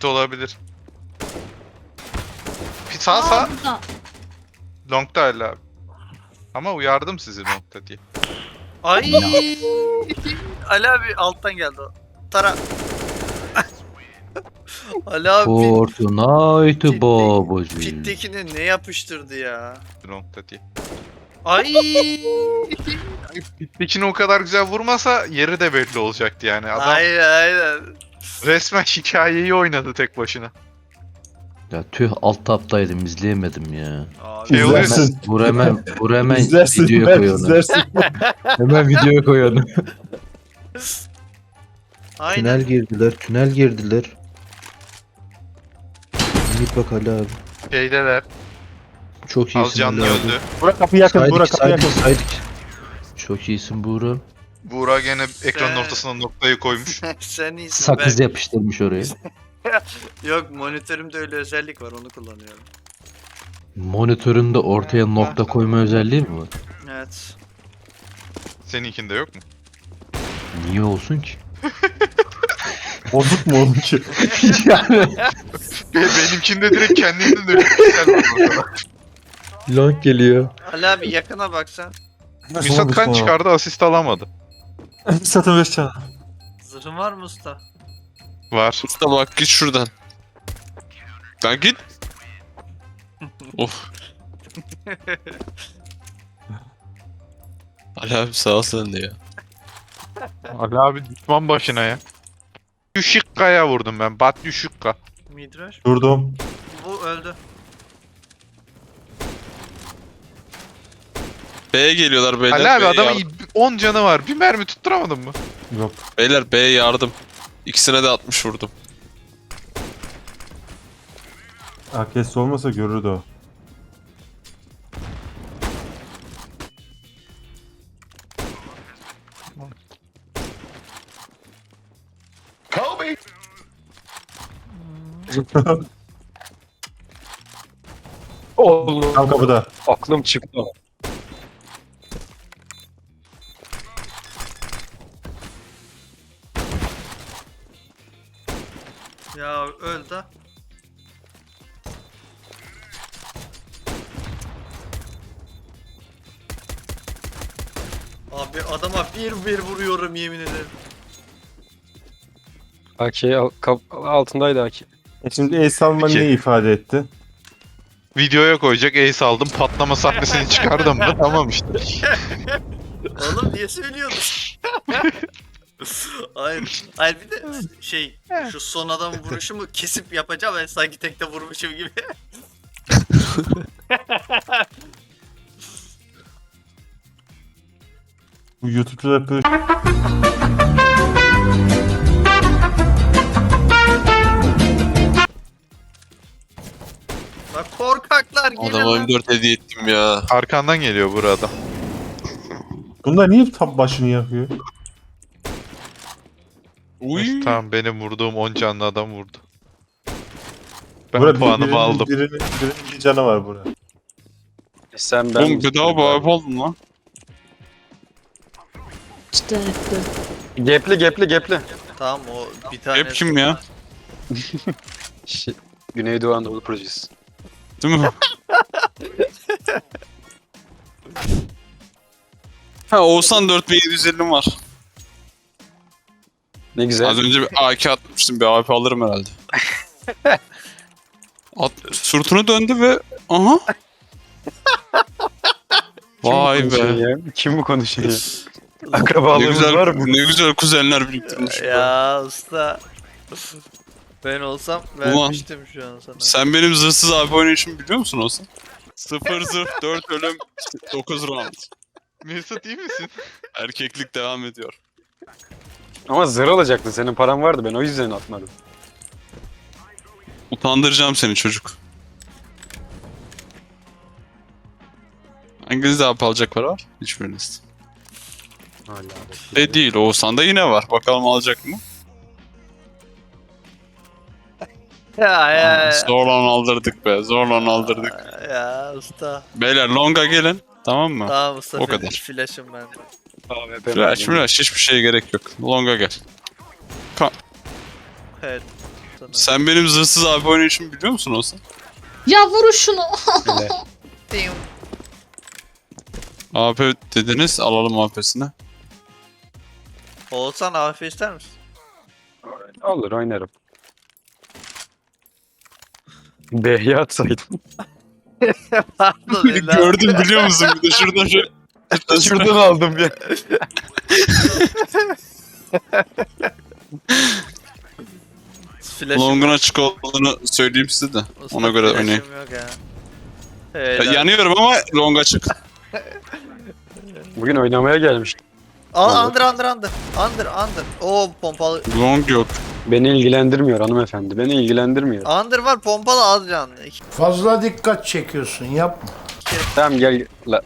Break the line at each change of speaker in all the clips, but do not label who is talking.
Pit olabilir. Pit sağ.
Burada.
Long'da hala abi. Ama uyardım sizi long'da diye.
Ay. Ali abi alttan geldi o. Tara. Ali abi
Fortnite babacı.
pittekini ne yapıştırdı ya?
Long'da diye.
Ay.
Pit'tekini o kadar güzel vurmasa yeri de belli olacaktı yani. Adam
Aynen.
resmen hikayeyi oynadı tek başına.
Ya tüh alt taptaydım izleyemedim ya.
Abi.
Şey oluyor.
İzlersin.
Vur hemen
İzlersin.
videoya
Ben
koy onu.
izlersin.
Hemen videoya koy onu.
Aynen.
Tünel girdiler. Git bak Ali abi.
Şeydeler.
Çok iyisin
Az canlı
Ali abi.
öldü.
Burak kapı yakın. Burak kapı yakın.
Saydık. Çok iyisin Buğra.
Buğra gene ekranın ortasına noktayı koymuş.
Sen iyisin.
Sakız yapıştırmış oraya.
Yok monitörümde öyle özellik var onu kullanıyorum.
Monitöründe ortaya nokta koyma özelliği mi var?
Evet.
Seninkinde yok mu?
Niye olsun ki?
Bozuk mu onunki?
Yani
Benimkinde direkt kendinden öyle.
long geliyor.
Ali abi yakına baksan.
Misat kan çıkardı, asist alamadı.
Satın 5 can.
Zırhın var mı usta?
Var.
Usta bak git şuradan. Lan git. Of. Ali abi sağ ol sen de ya.
Ali abi düşman başına ya. Düşükka'ya vurdum ben. Bat Düşükka.
Midrash.
Durdum.
Bu öldü.
B'ye geliyorlar beyler.
Ali abi
B'ye
adamın
yardım.
10 canı var. Bir mermi tutturamadın mı?
Yok.
Beyler B'ye yardım. İkisine de 60 vurdum.
AKS olmasa görürdü o.
Oğlum
Tam kapıda.
aklım çıktı.
Ya öldü. Abi adama bir vuruyorum yemin ederim.
AK altındaydı AK.
Şimdi ace alman
İki.
ne ifade etti?
Videoya koyacak ace aldım. Patlama sahnesini çıkardım mı? Tamam işte.
Oğlum niye söylüyorsun? Hayır bir de şey şu son adamın vuruşumu kesip yapacağım ben sanki tekte vurmuşum gibi.
Bu YouTube'da
Bak korkaklar gelin
Adama
lan.
M4 hediye ettim ya.
Arkandan geliyor burada.
bunlar niye tam başını yakıyor?
Uy.
Tamam benim vurduğum 10 canlı adam vurdu. Ben
Burak
puanımı aldım.
Birinin bir canı var burada.
Sen ben...
Oğlum bedava bağırıp oldun lan.
İşte
Gepli.
Tamam o bir tane.
Hep kim ya?
Güneydoğu Anadolu Projesi.
Değil mi? Ha Oğuzhan 4750'm var.
Ne güzel.
Az önce bir AK atmıştım. Bir AP alırım herhalde. Sırtını döndü ve aha. Vay be.
Ya? Kim bu konuşuyor ya?
Ne
Akrabalığımız
güzel,
var mı?
ne güzel kuzenler biriktirmiş.
Ya usta. Ben olsam vermiştim şu an sana.
Sen benim zırhsız AP oynayışımı biliyor musun Oğuzhan? 0 zırh, 4 ölüm, 9 round.
Mesut iyi misin?
Erkeklik devam ediyor.
Ama zırh alacaktın. Senin paran vardı. Ben o yüzden atmadım.
Utandıracağım seni çocuk. Hanginizde AP alacak para var? Hiçbiriniz.
Hala.
Değil, Oğuzhan'da yine var. Bakalım alacak mı?
Ya
Zorla aldırdık be, zorla aldırdık.
ya usta.
Beyler longa gelin, tamam mı?
Tamam usta.
O kadar.
Flash'ım ben.
Flash hiçbir şeye gerek yok. Longa gel.
Evet. sana.
Sen benim zırhsız AP oynayışımı biliyor musun olsa?
Ya vurun şunu.
Hele.
Diyum.
AP dediniz, alalım AP'sini.
Oğuzhan AF ister misin?
Olur oynarım. B'ye atsaydım.
Pardon Ela.
Gördüm biliyor musun? Bir de şuradan şöyle.
Şuradan aldım ya.
Flash'ım
Long'un
yok.
açık olduğunu söyleyeyim size de.
Usta,
Ona göre
flash'ım
oynayın.
yok ya.
Ya,
Helal.
yanıyorum ama long açık.
Bugün oynamaya gelmiştim.
Aa, under. Oo pompalı.
Long yok.
Beni ilgilendirmiyor hanımefendi. Beni ilgilendirmiyor.
Under var pompalı az canlı.
Fazla dikkat çekiyorsun yapma.
Tamam gel. La.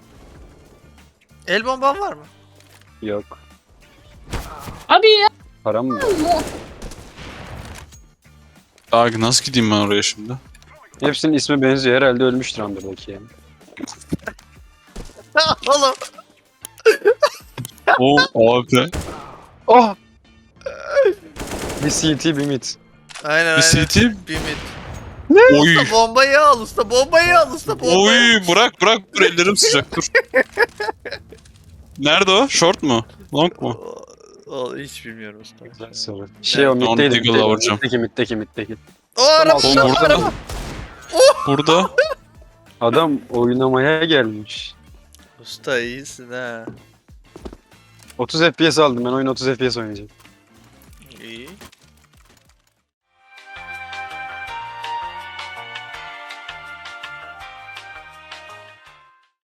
El bomban var mı?
Yok.
Abi ya.
Param mı?
Abi nasıl gideyim ben oraya şimdi?
Hepsinin ismi benziyor. Herhalde ölmüştür Under'daki yani.
Oğlum.
O AP.
Oh! Bir CT bir mid.
Aynen
Bir
aynen.
CT.
Bir mid.
Oy.
Usta bombayı al usta bombayı al usta bombayı.
Oy bırak dur ellerim sıcak dur. Nerede o? Short mu? Long mu?
O hiç bilmiyorum usta.
Sonra. Şey o
Onu
middeydi.
Deagle'la vuracağım.
Middeki.
O araba
Oğlum,
araba
burada.
araba.
Burada.
Adam oynamaya gelmiş.
Usta iyisin ha.
30 FPS aldım ben oyun 30 FPS oynayacağım.
İyi.